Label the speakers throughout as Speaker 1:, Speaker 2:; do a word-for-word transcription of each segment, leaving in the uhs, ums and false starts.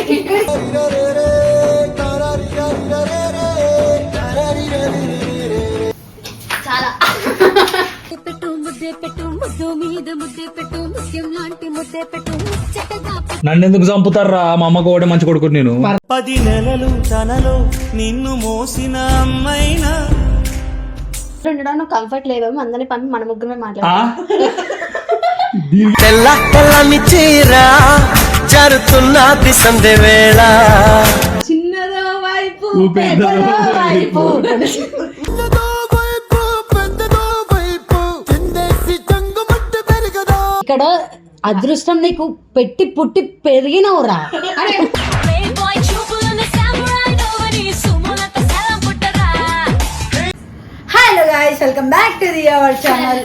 Speaker 1: చాలా
Speaker 2: పెట్టు ముద్దే పెట్టు ముద్దు మీద ముద్దే పెట్టు ముత్యం లాంటి ముద్దే పెట్టు ముచ్చటగా
Speaker 3: నన్ను ఎందుకు చంపుతారా మా అమ్మకు ఒకటే మంచి కొడుకు నేను.
Speaker 4: పది నెలలు తనలో నిన్ను మోసిన అమ్మైనా
Speaker 1: ఉండడం కంఫర్ట్ లేవేమో అందరినీ పంపి మన ముగ్గురమే
Speaker 3: ఆ?
Speaker 1: మాట్లాడతాం.
Speaker 4: తెల్ల తెల్లని చీర జరుతున్నది సంధ్య వేళ
Speaker 1: చిన్నదో వైపు
Speaker 3: పెద్దదో
Speaker 1: పెద్దదో వైపు
Speaker 5: ఇక్కడ అదృష్టం నీకు పెట్టి పుట్టి పెరిగినవురా. Hello guys, welcome back to the our channel.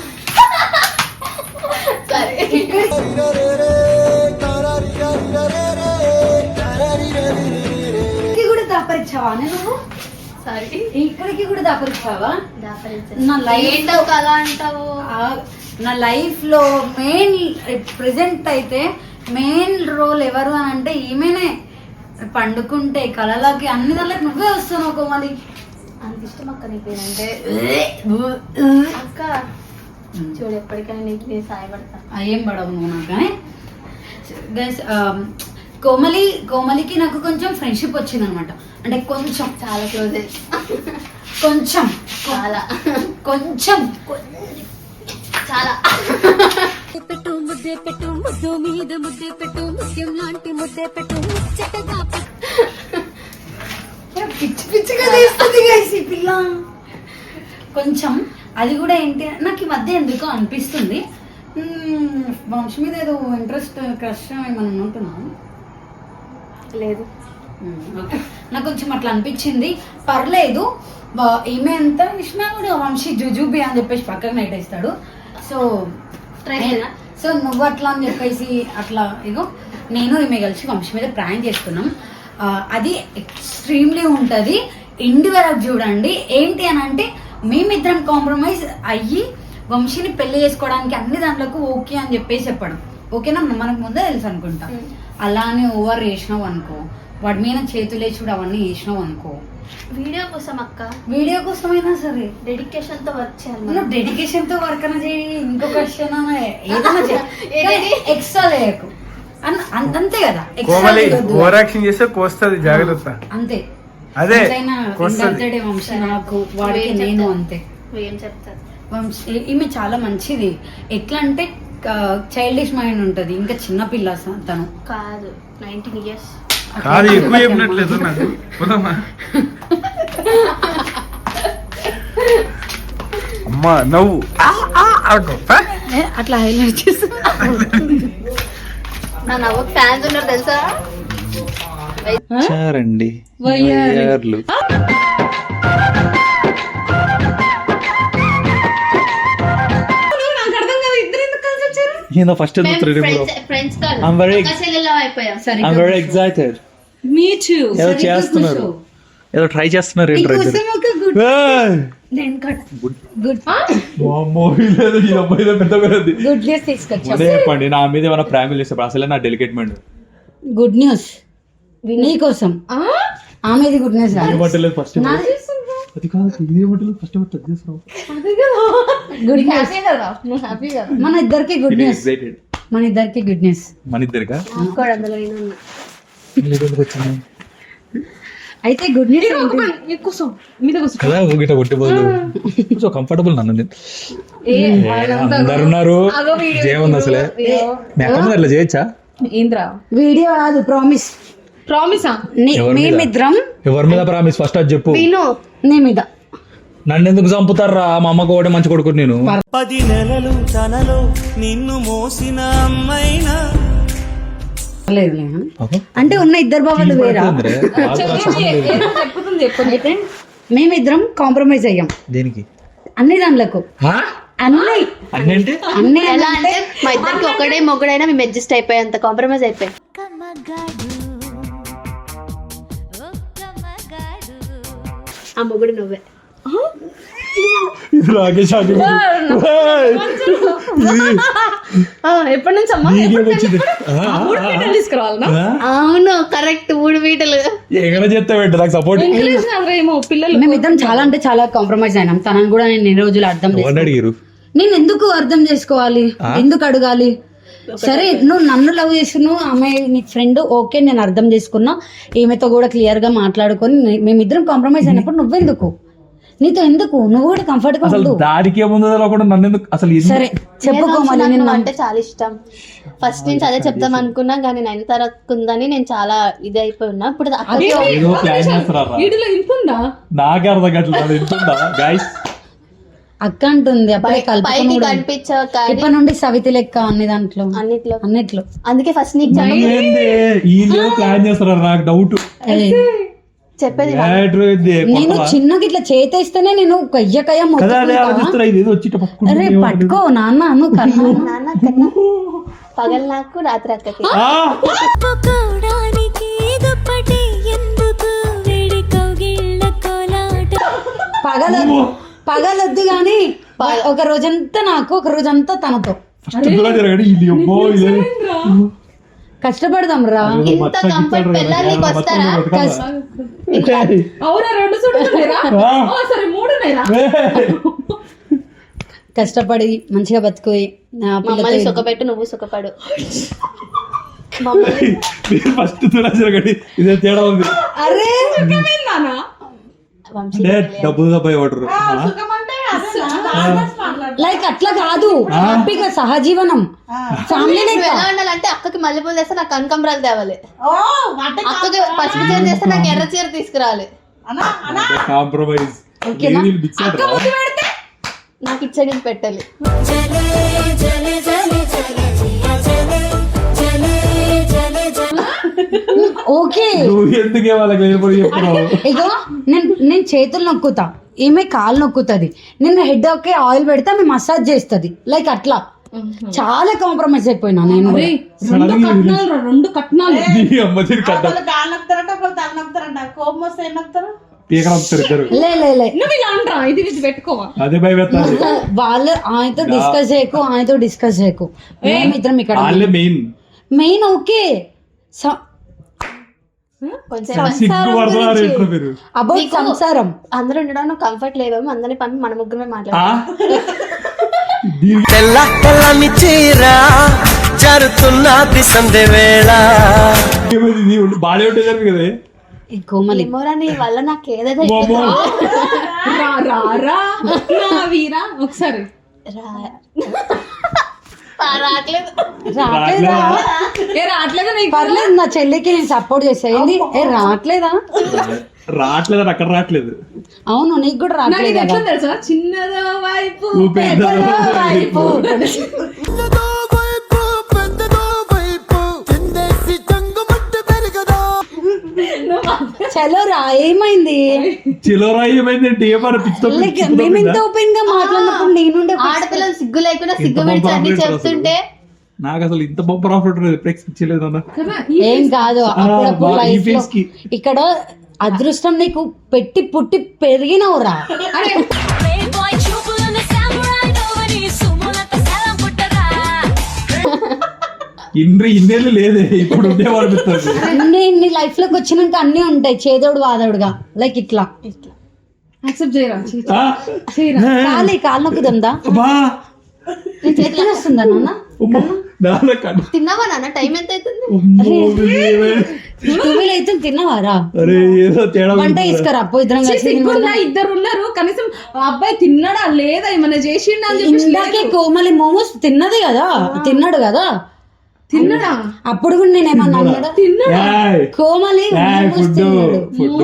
Speaker 5: కూడా దాపరిచావా నువ్వు?
Speaker 1: సారీ
Speaker 5: ఇక్కడికి కూడా దాపరిచావా?
Speaker 1: దాపరించండి.
Speaker 5: నా లైఫ్
Speaker 1: ఏంటో కదా అంటావు.
Speaker 5: నా లైఫ్ లో మెయిన్ ప్రెసెంట్ అయితే మెయిన్ రోల్ ఎవరు అని అంటే ఈమెనే. పండుకుంటే కళలకి అన్ని దానికి నువ్వే వస్తున్నావు కోమలి.
Speaker 1: అంత ఇష్టం అక్క నీ పేరంటే. అక్క చూడు ఎప్పటికైనా నీకు నేను సాయపడతా.
Speaker 5: ఏం పడవు నువ్వు నాకు. కానీ గైస్ కోమలి కోమలికి నాకు కొంచెం ఫ్రెండ్షిప్ వచ్చింది అనమాట. అంటే కొంచెం
Speaker 1: చాలా క్లోజ్
Speaker 5: కొంచెం
Speaker 1: చాలా
Speaker 5: కొంచెం
Speaker 1: చాలా
Speaker 2: పెట్టు ముద్దే పెట్టు ముద్దు మీద ముద్దే పెట్టు ముత్యం లాంటి ముద్దే పెట్టు ముచ్చటగా
Speaker 5: పిచ్చి పిచ్చిగా చేస్తుంది గైస్ ఈ పిల్ల. కొంచెం అది కూడా ఏంటి నాకు ఈ మధ్య ఎందుకో అనిపిస్తుంది, వంశ మీద ఏదో ఇంట్రెస్ట్ క్రష్ ఏమన్నా ఉంటున్నాను.
Speaker 1: లేదు
Speaker 5: ఓకే, నాకు కొంచెం అట్లా అనిపించింది. పర్లేదు, ఈమె ఎంత ఇచ్చినా కూడా వంశీ జుజుబి అని చెప్పేసి పక్కన నెట్టేస్తాడు. సో సో నువ్వు అట్లా అని చెప్పేసి అట్లా ఇగో నేను ఈమె కలిసి వంశీ మీద ప్రాంక్ చేస్తున్నాం. అది ఎక్స్ట్రీమ్లీ ఉంటుంది. ఇండి వరకు చూడండి. ఏంటి అని అంటే మేమిద్దరం కాంప్రమైజ్ అయ్యి వంశీని పెళ్లి చేసుకోవడానికి అన్ని దాంట్లోకి ఓకే అని చెప్పేసి చెప్పడం. ఓకేనా, మనకు ముందే తెలుసు అనుకుంటా. అలానే ఓవర్ చేసినావు అనుకో, వాడి మీద చేతులేచుడు అవన్నీ చేసినావు అనుకో,
Speaker 1: వీడియో కోసం అక్క,
Speaker 5: వీడియో కోసమైనా సరే
Speaker 1: డెడికేషన్ తో వర్క్ చేయాలి.
Speaker 5: నువ్వు డెడికేషన్ తో వర్క్ అన్న చేయి, ఇంకొక విషయం ఏదైనా చేయి, ఎక్స్ట్రా చేయకు. అంతే కదా,
Speaker 6: కోమలి ఓవర్ యాక్షన్ చేస్తే కోస్తది, జాగ్రత్త.
Speaker 5: అంతే.
Speaker 6: అదే
Speaker 5: బర్త్డే వంశీ నాకు, వాడికి నేను అంతే.
Speaker 1: ఏం చెప్తారు
Speaker 5: వంశీ ఈమె చాలా మంచిది. ఎట్లా అంటే చైల్డిష్ మైండ్ ఉంటది, ఇంకా చిన్న పిల్ల తను
Speaker 1: కాదు. నైన్టీన్ ఇయర్స్
Speaker 6: కాదు, ఎక్కువ చెప్పినట్లేదు నాకు. అమ్మా నవ్వు
Speaker 5: అట్లా హైలైట్ చేస్తా.
Speaker 1: నా నవ్వుకి ఫ్యాన్స్ ఉన్నారు తెలుసా.
Speaker 3: చారండి ఫస్ట్ ఎక్సైటెడ్. ఏదో చేస్తున్నారు, ఏదో ట్రై చేస్తున్నారు. చెప్పండి, నా మీద ఏమైనా ప్రాంకులు చేస్తే అసలే నా డెలికేట్ మైండ్.
Speaker 5: గుడ్ న్యూస్ నీకోసం. ఆమెది గుడ్ న్యూస్
Speaker 3: ఫస్ట్ అది కాదు, ఇదేమంటలేదు ఫస్ట్
Speaker 5: గుడ్ న్యూస్. మన ఇద్దరికి గుడ్ న్యూస్, మన ఇద్దరికి గుడ్ న్యూస్.
Speaker 3: మన ఇద్దరికా
Speaker 5: అయితే గుడ్ న్యూస్
Speaker 3: కదా. గిట్ట కొట్టిపోదు, సో కంఫర్టబుల్. నన్ను అందరు ఉన్నారు, ఏముంది అసలే మేకమ్మ అట్లా చేయొచ్చా?
Speaker 5: వీడియో కాదు, ప్రామిస్.
Speaker 1: ప్రామిసా?
Speaker 5: మేమిద్దరం.
Speaker 3: ఎవరి మీద ప్రామిస్? ఫస్ట్ అది చెప్పు.
Speaker 5: నీ మీద.
Speaker 3: నన్ను ఎందుకు చంపుతారా మా అమ్మకు ఒకటే మంచి కొడుకు నేను.
Speaker 4: పది నెలలు తనలో నిన్ను మోసిన అమ్మైనా
Speaker 5: లేదు అంటే ఉన్న ఇద్దరు బాబాలు వేరా. అయితే మేమిద్దరం కాంప్రమైజ్ అయ్యాం.
Speaker 3: దేనికి?
Speaker 5: అన్ని దాంట్లకు. అన్ని
Speaker 3: అన్ని
Speaker 5: అన్ని
Speaker 1: ఎలా అంటే మా ఇద్దరికి ఒకడే మొగుడైనా మేము అడ్జస్ట్ అయిపోయాం, అంత కాంప్రమైజ్ అయిపోయాం. ఆ మొగుడు నువ్వే.
Speaker 3: రాకేష్
Speaker 1: ఆ, ఎప్పటి నుంచి అమ్మా
Speaker 3: నీకేం వచ్చింది ఆ,
Speaker 1: మూడు పీటలు తీసుకురావాలనా?
Speaker 3: ఆ?
Speaker 1: అవును కరెక్ట్ మూడు పీటలు
Speaker 3: ఎక్కడ చేస్తావు నాకు సపోర్ట్
Speaker 1: ఏమో పిల్లలు
Speaker 5: మేమిద్దరం చాలా అంటే చాలా కాంప్రమైజ్ అయినాం. తనని కూడా నేను ఎన్ని రోజులు అర్థం
Speaker 3: ఎవరిని
Speaker 5: చేసుకో
Speaker 3: అడిగారు
Speaker 5: నేను ఎందుకు అర్థం చేసుకోవాలి, ఎందుకు అడగాలి? సరే నువ్వు నన్ను లవ్ చేస్తున్నావు, ఆమె నీ ఫ్రెండ్, ఓకే నేను అర్థం చేసుకున్నా, ఈమెతో కూడా క్లియర్ గా మాట్లాడుకొని నే- మేమిద్దరం కాంప్రమైజ్ అయినప్పుడు నువ్వెందుకు, నీతో ఎందుకు, నువ్వు కూడా కంఫర్ట్ గా
Speaker 3: అసలు
Speaker 5: ఉండు.
Speaker 3: దానికి ఏముందో తెలియకుండా నన్ను ఎందుకు అసలు ఎందుకు-
Speaker 5: సరే చెప్పుకో మళ్ళీ
Speaker 1: నాకు
Speaker 5: నేను
Speaker 1: నువ్వు
Speaker 5: నమ్ము-
Speaker 1: అంటే చాలా ఇష్టం. ఫస్ట్ నుంచి అదే చెప్తాం అనుకున్నా కానీ నైన్ తరకు ఉందని నేను చాలా ఇది అయిపోయి ఉన్నా. ఇప్పుడు అక్కడికి
Speaker 3: ఏదో ప్లాన్ చేస్తారా
Speaker 1: వీడిలో ఇంత ఉందా?
Speaker 3: నాకే అర్థం కావట్లేదు ఎంతుందా గాయస్
Speaker 5: అక్క అంటుంది అప్పుడే
Speaker 1: పైకి
Speaker 5: కలుపుకొని కూడా.
Speaker 1: కనిపించావు కానీ
Speaker 5: ఇప్పటి నుండి సవితి లెక్క అన్ని దాంట్లో
Speaker 1: అన్నిట్లో
Speaker 5: అన్నిట్లో
Speaker 1: అందుకే ఫస్ట్ నీకు చెప్ప-
Speaker 3: ఏంది వీళ్ళు ప్లాన్ చేస్తారా నాకు డౌట్
Speaker 5: ఏయ్,
Speaker 1: చెప్పేది
Speaker 5: నేను చిన్నగా ఇట్లా చేతేస్తేనే నేను కయ్య కయ్య
Speaker 3: కదా అదే
Speaker 5: మొత్తుకుంటా.
Speaker 3: ఆలోచిస్తారా ఇది ఏదో వచ్చి పట్టుకుంటే
Speaker 5: అరే పట్టుకో నాన్న నువ్వు కన్నా
Speaker 1: నాన్న కన్నా పగలు నాకు రాత్రి అక్కకి
Speaker 2: ఒప్పుకోవడానికి దుప్పటి ఎందుకు వేడి కౌగిళ్ళ కోలాట
Speaker 5: పగలొద్దు పగలొద్దు గాని ఒక రోజంతా నాకు ఒక రోజంతా తనతో
Speaker 3: ఫస్ట్ జరగండి ఇది అమ్మో ఇదే
Speaker 5: కష్టపడదాం రా.
Speaker 1: ఇంత కంఫర్ట్ పిల్లలకి వస్తారా?
Speaker 7: అవునా రెండు చూడుతున్నాయిరా సరే మూడు ఉన్నాయిరా
Speaker 5: కష్టపడి మంచిగా బతుకుయి నా
Speaker 1: మమ్మల్ని
Speaker 5: పిల్లతో
Speaker 1: సుఖపెట్టు నువ్వు సుఖపడు మమ్మల్ని
Speaker 3: మీరు ఫస్ట్ తులా జరగండి ఇదే తేడా ఉంది
Speaker 5: అరే
Speaker 7: నానా
Speaker 1: వంశీ
Speaker 3: అంటే డబ్బు దబ్బాయి వాడరు
Speaker 5: లైక్ అట్లా కాదు హ్యాపీగా సహజీవనం ఫ్యామిలీ
Speaker 1: నువ్వు ఎలా ఉండాలంటే అక్కకి మల్లెపూలు తెస్తే నాకు కనకంబరాలు తేవాలి, అక్కకి పసుపు చీర తెస్తే నాకు ఎర్ర చీర తీసుకురావాలి,
Speaker 3: కాంప్రమైజ్
Speaker 5: ఓకేనా?
Speaker 3: మిక్స్
Speaker 1: నాకు ఇచ్చడి పెట్టాలి.
Speaker 2: జలే జలే జలే జలే జియా జలే జలే జలే జలే
Speaker 5: ఓకే
Speaker 3: నువ్వు ఎందుకే వాళ్ళకి వెళ్ళిపోయి చెప్తున్నావు
Speaker 5: ఇగో నేను నేను చేతులు నొక్కుతా, ఈమె కాలు నొక్కుతుంది, నేను హెడ్ ఒకే ఆయిల్ పెడితే ఆమె మసాజ్ చేస్తుంది. లైక్ అట్లా చాలా కాంప్రమైజ్ అయిపోయినా నేను.
Speaker 7: రెండు కట్నాలు రా, రెండు కట్నాలు
Speaker 3: నీ అమ్మ తిరిగి కట్ట పీకలు వస్తారు ఇద్దరు
Speaker 5: లే లే లే
Speaker 7: నువ్వు ఇలా అంటరా ఇది ఇది పెట్టుకోవా
Speaker 3: అదే భయపెట్టాలి
Speaker 5: వాళ్ళు ఆయనతో డిస్కస్ చేయకు, ఆయనతో డిస్కస్ చేయకు, మేమిద్దరం ఇక్కడ
Speaker 3: వాళ్ళే మెయిన్
Speaker 5: మెయిన్ ఓకే
Speaker 1: కొంచెం
Speaker 3: సిగ్గు పడుతున్నారు ఎట్లా మీరు
Speaker 5: అబౌట్ సంసారం.
Speaker 1: అందరూ ఉండడం కంఫర్ట్ లేవేమో, అందరిని పంపి మన ముగ్గురమే
Speaker 3: ఆ?
Speaker 1: మాట్లాడాలి.
Speaker 3: దీనికి
Speaker 4: తెల్ల తెల్లని చీర జరుతున్నది సంధ్య వేళ
Speaker 3: ఏమైంది? నీ ఉండి బాగానే ఉంటుంది కదా కదా
Speaker 5: ఈ కోమలి
Speaker 1: ఏమోరా నీ వల్ల నాకు ఏదైతే
Speaker 3: వామ్మో.
Speaker 7: రా రా రా నా వీరా ఒకసారి
Speaker 1: రావట్లేదు.
Speaker 5: రావట్లేదా?
Speaker 7: ఏ రావట్లేదా నీకు
Speaker 5: పర్లేదు నా చెల్లికి నేను సపోర్ట్ చేస్తా. ఏంది ఏ రావట్లేదా?
Speaker 3: రావట్లేదు అని అక్కడ రావట్లేదు
Speaker 5: అవును నీకు కూడా
Speaker 7: నాకు
Speaker 5: రావట్లేదు
Speaker 7: ఇది ఎట్లా
Speaker 5: కదా.
Speaker 7: తెలుసా చిన్నదో వైపు
Speaker 3: నువ్వు పెద్ద
Speaker 5: వైపు. చలో రా ఏమైంది?
Speaker 3: చిలోరా ఏమైందంటే ఏమన్నా పిచ్చి
Speaker 5: లైక్ మేము ఇంత ఓపెన్ గా మాట్లాడినప్పుడు నేనుండే
Speaker 1: ఆడపిల్లలు సిగ్గు లేకుండా సిగ్గు విడిచి అన్ని చెప్తుంటే
Speaker 3: నాకు అసలు ఇంత బొప్ప రాఫ్ట్ ఎప్పుడు ఎక్స్పెక్ట్ చేయలేదు అన్న
Speaker 7: కదా
Speaker 5: ఏం కాదు అప్పుడప్పుడు
Speaker 3: బా, ఈ
Speaker 5: లైఫ్ లో
Speaker 3: face కి.
Speaker 5: ఇక్కడ అదృష్టం నీకు పెట్టి పుట్టి పెరిగినవురా.
Speaker 7: అరే
Speaker 2: బాయ్ చూపులను సామురాయ్ నోవని సుమలత సలం పుట్టరా
Speaker 3: ఇన్ని ఇన్నేళ్ళు లేదే ఇప్పుడు ఉండేవాడు అనిపిస్తుంది
Speaker 5: అన్ని నీ లైఫ్ లోకి వచ్చినాక అన్ని ఉంటాయి చేదోడు వాదోడుగా. లైక్ ఇట్లా
Speaker 7: యాక్సెప్ట్ చేయరా
Speaker 3: ఆ?
Speaker 5: కాలి కాలు నొక్కుతుందా?
Speaker 3: అబ్బా
Speaker 5: వస్తుందా నాన్న?
Speaker 3: అమ్మో, నాన్న కన్ను.
Speaker 1: తిన్నావా నాన్న? టైం ఎంత అవుతుంది?
Speaker 3: అమ్మో, ఇదేమే.
Speaker 5: టువెల్ అయితే తిన్నవారా?
Speaker 3: అరే ఏదో తేడా
Speaker 5: వంట
Speaker 3: ఉంది.
Speaker 5: తీసుకురా అప్పు ఇద్దరం కలిసి
Speaker 7: సిగ్గున్నా ఇద్దరు ఉన్నారు కనీసం ఆ అబ్బాయి తిన్నాడా లేదా ఏమన్నా చేసిండా అని చెప్పేసి
Speaker 5: ఇందాకే కోమలి మోమోస్ తిన్నది కదా, తిన్నాడు కదా
Speaker 7: తిన్నాడా
Speaker 5: అప్పుడు కూడా నేను ఏమన్నా అన్నాడా?
Speaker 3: ఏయ్,
Speaker 5: కోమలి
Speaker 3: ఏయ్,
Speaker 5: మోమోస్
Speaker 3: ఫుడ్
Speaker 5: తిన్నాడు.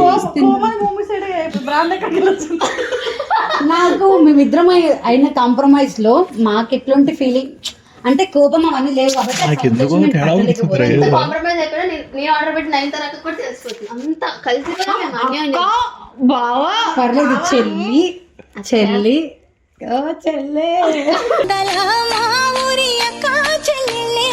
Speaker 3: ఫుడ్
Speaker 5: నాకు మేమిద్దరం అయి- అయిన కాంప్రమైజ్ లో మాకు ఎట్లాంటి ఫీలింగ్ అంటే కోపం అవన్నీ లేవు కాబట్టి ఆ సంతోషం నేను పట్టలేకపోయాను.
Speaker 1: ఎంత కాంప్రమైజ్ అయిపోయినా నేను- నేను ఆర్డర్ పెట్టి నైన్ తరకు కూడా తెలిసిపోతుంది. అంత కలిసి కూడా మేము అన్యాయం చేస్తాం.
Speaker 7: బావా
Speaker 5: పర్లేదు చెల్లి చెల్లి ఓ చెల్లె
Speaker 2: మా ఊరి అక్క చెల్లెలే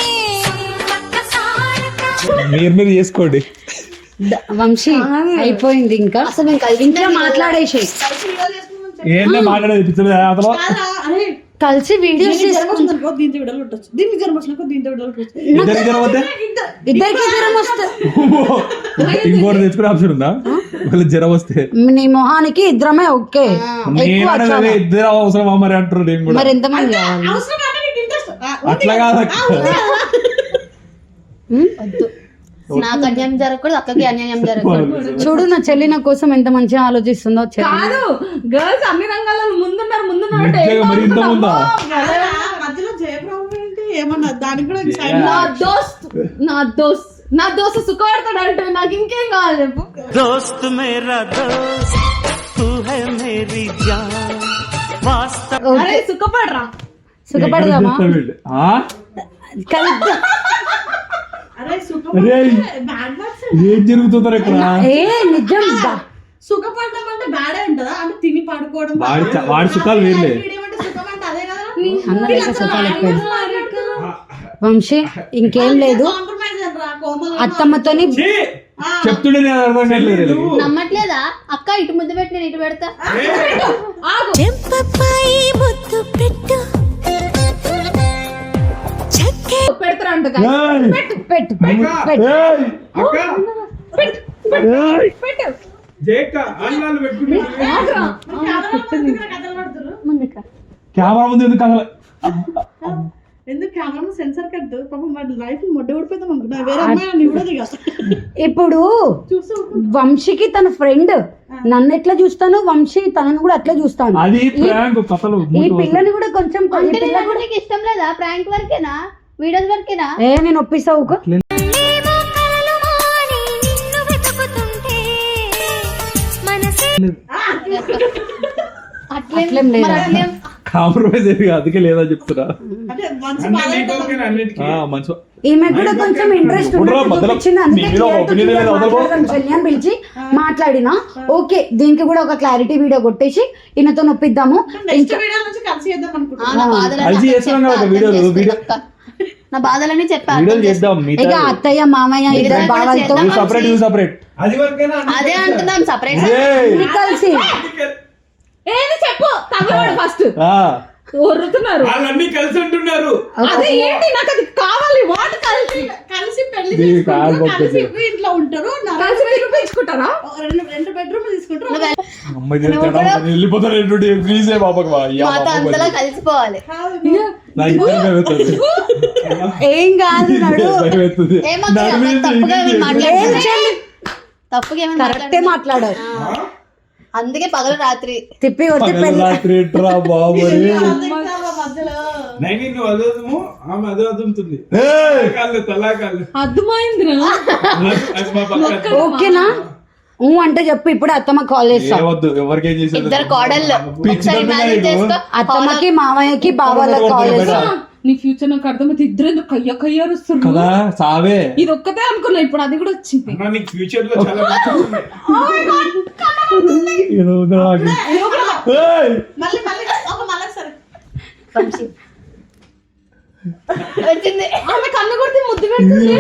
Speaker 3: మీరు మీరు చేసుకోండి
Speaker 5: ద- వంశీ అయిపోయింది ఇంకా
Speaker 1: అసలు మేము కలిసి
Speaker 5: ఇంట్లో మాట్లాడేసి
Speaker 3: ఏంటో మాట్లాడేది పిచ్చలేదు అతను
Speaker 5: కలిసి వీడియోస్
Speaker 7: దీనికి జ్వరం వచ్చిందనుకో, దీంతో విడలు కొట్టొచ్చు. దీనికి జ్వరం వచ్చినాకో దీంతో విడలు కొట్టొచ్చు.
Speaker 3: ఇద్దరికి జ్వరం వస్తే
Speaker 5: ఇద్దరికి జ్వరం వస్తే
Speaker 3: ఇంకోటి తెచ్చుకునే ఆప్షన్ ఉందా ఒకవేళ జ్వరం వస్తే?
Speaker 5: నీ మొహానికి ఇద్దరమే ఓకే. ఎక్కువ
Speaker 3: నేను
Speaker 5: చాలా.
Speaker 3: ఇద్దరు అవసరమా మరి అంటారు నేను కూడా.
Speaker 5: మరి ఎంతమంది కావాలి?
Speaker 7: అవసరం అంటే నీకు ఇంట్రెస్ట్
Speaker 3: అట్లా కాదు అక్క.
Speaker 1: వద్దు, నాకు అన్యాయం జరగకూడదు, అక్కకి అన్యాయం జరగకూడదు.
Speaker 5: చూడు నా చెల్లి నా కోసం ఎంత మంచిగా ఆలోచిస్తుందో చెల్లి.
Speaker 7: కాదు, గర్ల్స్ అన్ని రంగాల్లో ముందున్నారు ముందున్నారు అంటే
Speaker 3: నిజంగా మరి ఇంత ముందా?
Speaker 7: మధ్యలో జయప్రభు ఏంటి ఏమన్నా దానికి కూడా
Speaker 3: Yeah.
Speaker 7: నా దోస్త్ నా దోస్త్ నా దోస్త్ సుఖపడతాడు అంటే నాకు ఇంకేం కావాలి చెప్పు.
Speaker 4: दोस्त मेरा दोस्त तू है मेरी जान वास्तव
Speaker 7: అరే సుఖపడరా.
Speaker 5: సుఖపడదామా?
Speaker 3: ఎక్కడ చెప్తావు వీళ్ళు? ఆ?
Speaker 5: కలుద్దాం.
Speaker 7: అరే
Speaker 3: అరే,
Speaker 7: సుఖపడ బ్యాడ్ వర్డ్స్.
Speaker 3: ఏం జరుగుతుందో ఇక్కడ?
Speaker 5: ఏ నిజం బా.
Speaker 7: సుఖపడడం అంటే బ్యాడే ఉంటదా? అంటే తిని పడుకోవడం.
Speaker 3: వాడి చ- వాడి సుఖాలు వేర్లే.
Speaker 7: వీడేమంటే సుఖం అంటే అదే కదా.
Speaker 5: అందరికీ సుఖాలు ఎక్కువ. వంశీ ఇంకేం లేదు.
Speaker 7: కాంప్రమైజ్ రా కోమల్.
Speaker 5: అత్తమ్మతోని
Speaker 3: ఛీ! చెప్తుండే నేను అర్థం కావట్లేదు.
Speaker 1: నమ్మట్లేదా అక్క? ఇటు ముద్దు పెట్టి నేను ఇటు పెడతా.
Speaker 2: చెంపపై ముద్దు పెట్టు చక్కె
Speaker 7: పెడతారా అంట
Speaker 3: ఏయ్!
Speaker 5: పెట్టు పెట్టు పెట్టు.
Speaker 3: ఏయ్!
Speaker 7: పెట్టు.
Speaker 6: జేక అన్నాలు పెట్టుకుంటే
Speaker 7: కథలు పడుతురు.
Speaker 1: ముందుకు రా.
Speaker 3: కెమెరా ముందు ఎందుకు కదల?
Speaker 7: ఎందుకు కెమెరా సెన్సర్ కట్టు. పాపం వాడి లైఫ్ మొడ్డ ఊడిపోతాం అనుకున్నా. వేరే అమ్మాయి కూడా దిగా
Speaker 5: ఇప్పుడు
Speaker 7: చూస్తూ
Speaker 5: వంశీకి తన ఫ్రెండ్ నన్ను ఎట్లా చూస్తాను, వంశీ తనను కూడా అట్లా చూస్తాను.
Speaker 3: అది ప్రాంక్ కథలు.
Speaker 5: ఈ పిల్లని కూడా కొంచెం ఈ
Speaker 1: అంటే
Speaker 5: పిల్ల
Speaker 1: నేను
Speaker 5: కూడా
Speaker 1: నీకు ఇష్టం లేదా? ప్రాంక్ వరకేనా? వీడియోస్ వరకేనా?
Speaker 5: ఏ నేను ఒప్పిస్తా ఊకో.
Speaker 2: ఏమో కలలు మాని నిన్ను వెతుకుతుంటే మనసే
Speaker 1: అట్లేం
Speaker 5: అట్లేం లేదా?
Speaker 1: మరి అట్లేం.
Speaker 3: కాంప్రమైజ్ అయ్యి అందుకే లేదా చెప్తున్నా.
Speaker 7: అంటే మంచి
Speaker 6: అన్ని
Speaker 7: బాధ
Speaker 6: నీకు ఓకేనా అన్నిటికీ?
Speaker 3: ఆ, మంచి
Speaker 5: ఈమె కూడా కొంచెం ఇంట్రెస్ట్
Speaker 3: ఉండరా మధ్యలో? మీ మీద ఒక opinion లేదు, వదలకో.
Speaker 5: అని పిలిచి మాట్లాడినా ఓకే. దీనికి కూడా ఒక క్లారిటీ వీడియో కొట్టేసి ఈయనతో నొప్పిద్దాము.
Speaker 7: నెక్స్ట్ వీడియో నుంచి కలిసి చేద్దాం
Speaker 1: ఆ,
Speaker 7: అనుకుంటున్నా.
Speaker 1: నా బాధలన్నీ
Speaker 3: కలిసి
Speaker 1: అక్కకి
Speaker 3: చేస్తున్నాం
Speaker 1: చెప్పా,
Speaker 3: కదా
Speaker 1: అర్థం
Speaker 3: వీడియోలు,
Speaker 1: చేసుకో
Speaker 3: వీడియో-
Speaker 1: అక్క. నా బాధలన్నీ చెప్పా,
Speaker 3: వీడియోలు
Speaker 1: అర్థం చేసుకో.
Speaker 3: చేద్దాం
Speaker 5: ఇక
Speaker 3: మిగతా.
Speaker 5: అత్తయ్య మామయ్య ఇద్దరు
Speaker 1: ఇద్దరు
Speaker 5: బావలతో
Speaker 1: చేద్దాం.
Speaker 3: Separate you separate.
Speaker 6: అది వరకేనా అన్ని
Speaker 1: అదే
Speaker 6: పెట్టా?
Speaker 1: అంటున్నాం, సపరేట్
Speaker 3: ఏయ్!
Speaker 5: కలిసి
Speaker 7: ఏది చెప్పు తగలవాడు ఫస్ట్
Speaker 3: ఆ,
Speaker 7: ఒర్రుతున్నారు.
Speaker 6: వాళ్ళన్నీ కలిసి ఉంటున్నారు.
Speaker 7: అదే ఏంటి నాకు అది కావాలి. వాట్ కలిసి కలిసి పెళ్లి
Speaker 3: ఇది కాదు
Speaker 7: చేసుకుంటారు, కలిసి
Speaker 3: పద్ధతి.
Speaker 7: ఇంట్లో ఉంటారు, కలిసి నిరూపించుకుంటారా? రెండు రెండు బెడ్రూమ్ తీసుకుంటారు.
Speaker 3: అమ్మాయి తిరుగుతాడా? నేను వెళ్ళిపోతాను ఏంటంటే ప్లీజ్ ఏ బాబకు బా. అయ్యా
Speaker 1: మాతో
Speaker 3: బాబకు
Speaker 1: అంతలా
Speaker 3: బా.
Speaker 1: కలిసిపోవాలి.
Speaker 3: నా ఇద్దరు భయమవుతుంది.
Speaker 5: ఏం కాదు నడు.
Speaker 3: భయమవుతుంది.
Speaker 1: ఏమక్క,
Speaker 3: నాకు మీద
Speaker 1: తప్పుగా
Speaker 3: ఇంకేం
Speaker 1: ఏమైనా
Speaker 3: చేయలేదు.
Speaker 1: మాట్లాడుతున్నా? తప్పుగా ఏమైనా
Speaker 5: కరెక్టే
Speaker 1: మాట్లాడుతున్నా?
Speaker 5: మాట్లాడారు.
Speaker 1: అందుకే పగలు రాత్రి
Speaker 5: తిప్పి కొట్టి
Speaker 3: పగలు
Speaker 5: పెళ్ళి
Speaker 3: రాత్రి ఎట్రా బాబు రే.
Speaker 7: మధ్యలో
Speaker 6: నైని నువ్వు అదము ఆమె అదే అదుముతుంది.
Speaker 3: ఏయ్!
Speaker 6: కాళ్ళు తలాకాళ్ళు
Speaker 7: అర్థమైందిరా.
Speaker 6: అది మా పక్క
Speaker 5: ఓకేనా? ఊ అంటే చెప్పు. ఇప్పుడు అత్తమ్మ కాల్ చేస్తా.
Speaker 3: ఏవద్దు ఎవరికేం చేసేది
Speaker 1: ఇద్దరు కోడళ్ళు
Speaker 3: పిచ్చి
Speaker 1: ఒకసారి
Speaker 3: దొంగ
Speaker 1: imagine
Speaker 3: నీకు.
Speaker 1: చేసుకో.
Speaker 5: అత్తమ్మకి మామయ్యకి బావాలకు కాల్ చేస్తా.
Speaker 7: నీ ఫ్యూచర్ నాకు అర్థమైతే ఇద్దరు ఎందుకు కయ్య కయ్యారుస్తారు
Speaker 3: కదా సావే.
Speaker 7: ఇది ఒక్కతే అనుకున్నా, ఇప్పుడు అది కూడా వచ్చింది.
Speaker 6: అన్నా, నీకు ఫ్యూచర్ లో చాలా మంచి ఉంది.
Speaker 3: ఏదో ఉందో నాకు. ఏయ్!
Speaker 7: మళ్ళీ మళ్ళీ ఒక మళ్ళీ సరే
Speaker 1: వంశీ. వచ్చింది.
Speaker 7: ఆమె కన్ను కొడితే ముద్దు పెడుతుంది.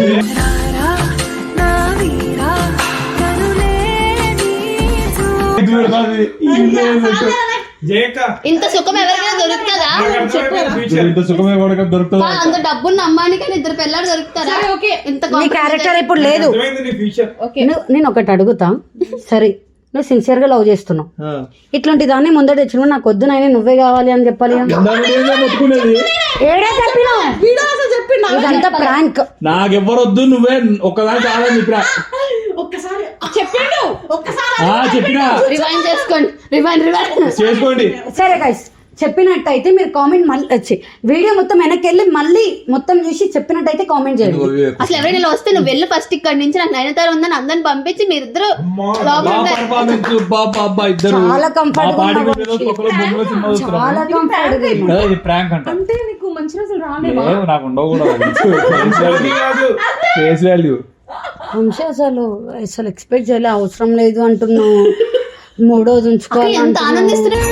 Speaker 3: ఇది పెడతాది. ఇది పెడతాది.
Speaker 6: జయక
Speaker 1: ఇంత సుఖం ఎవరికైనా దొరుకుతుందా?
Speaker 6: నాకు అర్థమైపోయింది ఫ్యూచర్.
Speaker 3: ఇంత సుఖమే కూడా దొరుకుతుంది.
Speaker 1: బా, అంత డబ్బున్న అమ్మానికి ఇద్దరు పిల్లలు దొరుకుతారా?
Speaker 7: సరే, ఓకే.
Speaker 1: ఇంత
Speaker 5: నీ క్యారెక్టర్ ఇప్పుడు లేదు.
Speaker 6: అర్థమైంది నీ ఫ్యూచర్.
Speaker 5: నువ్వు- నేను ఒకటి అడుగుతా. సరే నువ్వు సిన్సియర్ గా లవ్ చేస్తున్నావు.
Speaker 3: ఆ.
Speaker 5: ఇట్లాంటి దాన్ని ముందర తెచ్చిన నాకు వద్దు నాయన నువ్వే కావాలి అని చెప్పాలి.
Speaker 3: ఇందాక నేనే మొత్తుకునేది.
Speaker 5: ఏడే చెప్పినావు
Speaker 7: వీడియో అసలు చెప్పిండు.
Speaker 5: ఇదంతా ప్రాంక్.
Speaker 3: నాకెవ్వరొద్దు నువ్వే ఒక్కదాని కాదని చెప్పినా.
Speaker 7: ఒక్కసారి చెప్పిండు. ఒక్కసారి
Speaker 3: ఆ, చెప్పినా
Speaker 1: రివైండ్ చేసుకోండి. రివైండ్ రివైండ్
Speaker 3: చేసుకోండి.
Speaker 5: సరే గైస్ చెప్పినట్టయితే మీరు కామెంట్ మళ్ళీ వచ్చి వీడియో మొత్తం వెనక్కి వెళ్ళి మళ్ళీ మొత్తం చూసి చెప్పినట్టయితే కామెంట్ చేయండి.
Speaker 1: అసలు ఎవరైనా ఇలా వస్తే నువ్వు వెళ్ళి ఫస్ట్ ఇక్కడ నుంచి నాకు నైనతార ఉందని అందరిని పంపించి మీరిద్దరు లోపల
Speaker 3: బా
Speaker 1: ఉండాలి.
Speaker 3: పర్ఫార్మెన్స్ బాబా అబ్బా ఇద్దరు
Speaker 5: చాలా comfort
Speaker 3: మా
Speaker 5: గా
Speaker 3: పాడి
Speaker 5: ఉన్నావు
Speaker 3: వీడియోలో
Speaker 5: వంశీ.
Speaker 3: ఒక్కొక్కరు బొమ్మల సినిమా చూస్తున్నాం.
Speaker 5: చాలా కంఫర్ట్
Speaker 3: కదా ఇది ప్రాంక్ అంట.
Speaker 7: అంటే నీకు మంచి రోజులు రాలేవా?
Speaker 3: ఏం నాకు ఉండవు కూడా
Speaker 6: అది కాదు.
Speaker 3: Face value.
Speaker 5: వంశీ అసలు అసలు ఎక్స్పెక్ట్ చేయలే. అవసరం లేదు అంటున్నావు. మూడోది
Speaker 1: అక్క
Speaker 5: ఉంచుకోవాలి
Speaker 1: ఎంత
Speaker 5: అంటున్నావు.
Speaker 1: ఆనందిస్తున్నా.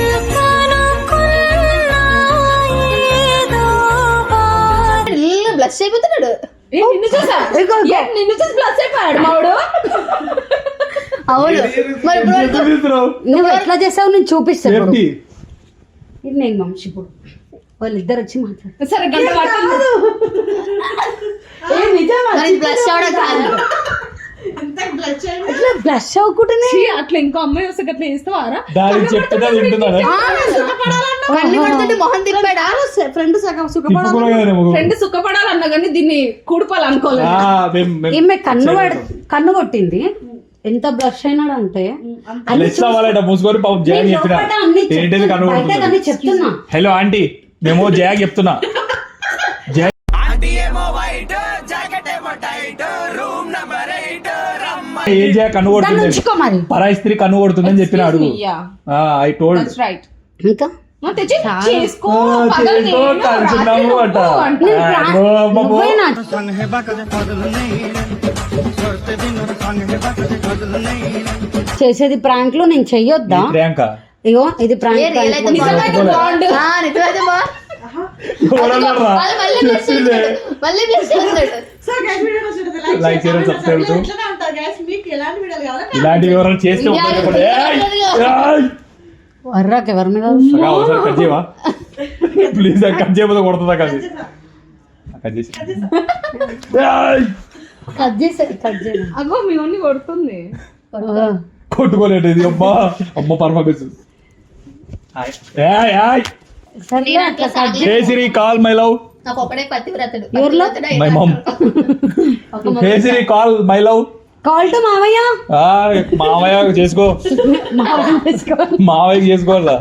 Speaker 1: బ్లష్ అయిపోతున్నాడు.
Speaker 7: ఏ, నిన్ను చూసా
Speaker 5: ఇదిగో, ఇదిగో.
Speaker 7: ఏ, నిన్ను చూసి ప్లస్ అయిపోయాడు మావాడు.
Speaker 1: అవును మరి ఇప్పుడు వరకు
Speaker 3: ఎక్కడ తీస్తున్నావు?
Speaker 5: నువ్వు ఎట్లా చేసావు నేను చూపిస్తాను ఇప్పుడు.
Speaker 3: సేఫ్టీ.
Speaker 5: ఇది నేను వంశీ ఇప్పుడు వాళ్ళిద్దరు వచ్చి మాట్లాడు.
Speaker 7: సరే గంట పడుతుంది.
Speaker 5: ఏ నిజమా?
Speaker 1: బ్లష్ అవడం కాదు.
Speaker 5: ఇట్లా బ్లష్ అవ్వకుండానే
Speaker 7: ఛీ, అట్లా ఇంకో అమ్మాయి వస్తే అట్లా చేస్తావారా?
Speaker 3: దానికి చెప్తున్నా వింటున్నారా
Speaker 1: కళ్ళు పడుతుంటే మొహం తిప్పాడా?
Speaker 7: ఫ్రెండ్ సగం సుఖపడాలి, ఫ్రెండ్ సుఖపడాలన్నా కానీ దీన్ని కూడిపాలనుకోలేదు.
Speaker 5: ఈమె కన్ను పడ- కన్ను కొట్టింది. ఎంత బ్లష్ అయినాడు అంటే
Speaker 3: మూసుకొని పాపం జయ చెప్పిన ఏంటిది కనుగొంటుంది.
Speaker 5: చెప్తున్నా.
Speaker 3: హలో ఆంటీ మేము జయ చెప్తున్నా. జయ ఏం జయ కన్ను కొడుతుంది,
Speaker 5: ఉంచుకో మరి.
Speaker 3: పరాయి స్త్రీ కన్ను కొడుతుందని చెప్పిన అడుగు. I told
Speaker 7: right.
Speaker 5: ఇంకా
Speaker 7: తెచ్చి చేసుకో,
Speaker 3: కలిసిన్నాము అంట.
Speaker 5: నువ్వేనా? చేసేది ప్రాంక్లు నేను చెయ్యొద్దా?
Speaker 3: ప్రియాంక
Speaker 5: ఇగో ఇది ప్రాంక్.
Speaker 1: ఏ రియల్ అయితే
Speaker 3: నిజమైతే
Speaker 1: బాగుండు. ఆ, నిజమైతే బా.
Speaker 3: ఎవరన్నారా?
Speaker 1: వాళ్ళు మళ్ళీ బ్లష్ చేస్తాడు. మళ్ళీ బ్లష్ చేస్తాడు.
Speaker 3: లైక్ చేయడం సబ్స్క్రైబ్ టు
Speaker 7: ఇట్లానే ఉంటారు guys. మీకు ఎలాంటి వీడియోలు కావాలో
Speaker 3: ఇలాంటి వివరాలు చేస్తే
Speaker 5: వర్రాకి ఎవరి మీద?
Speaker 3: ఒకసారి కట్ చేయవా ప్లీజ్. కట్ చేయబోతే కొడుతుందా? కట్ చేసి కట్ చేసి
Speaker 5: కట్ చేసే కట్ చేయను.
Speaker 7: అగో మీ ఓన్ని కొడుతుంది.
Speaker 3: కొట్టుకోలేదు ఇది. అమ్మా అమ్మ పర్ఫార్మెన్స్.
Speaker 5: సరే అట్లా cut
Speaker 3: hey Siri call my love.
Speaker 1: నాకు ఒకడే పతివ్రతడు.
Speaker 5: ఎవరిలో?
Speaker 1: పతివ్రతడు
Speaker 3: my mum. Hey Siri call my love.
Speaker 5: Call to మావయ్య.
Speaker 3: మావయ్య చేసుకో. మావయ్య చేసుకోవాలా?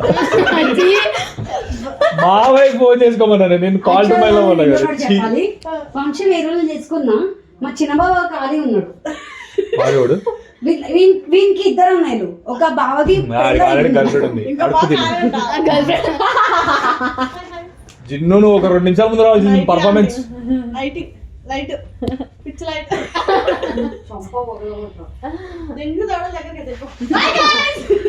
Speaker 3: మావయ్య ఫోన్ చేసుకోమన్నా నేను కాల్ టు మై లవ్ అన్నా కదా.
Speaker 5: చెప్పాలి ఫంక్షన్ ఏ రోజు చేసుకున్నా మా చిన్న బావ ఖాళీ ఉన్నాడు.
Speaker 3: వాడు
Speaker 5: వీ- వీ- వీనికి ఇద్దరు అన్నయ్యలు. ఒక బావకి
Speaker 3: ఆల్రెడీ గర్ల్ఫ్రెండ్ ఉంది. కడుపు తిని జిన్ను నువ్వు ఒక రెండు నిమిషాల ముందు రావాల్సింది performance.
Speaker 7: Light light pitch light దెంగు దవడ దగ్గరికి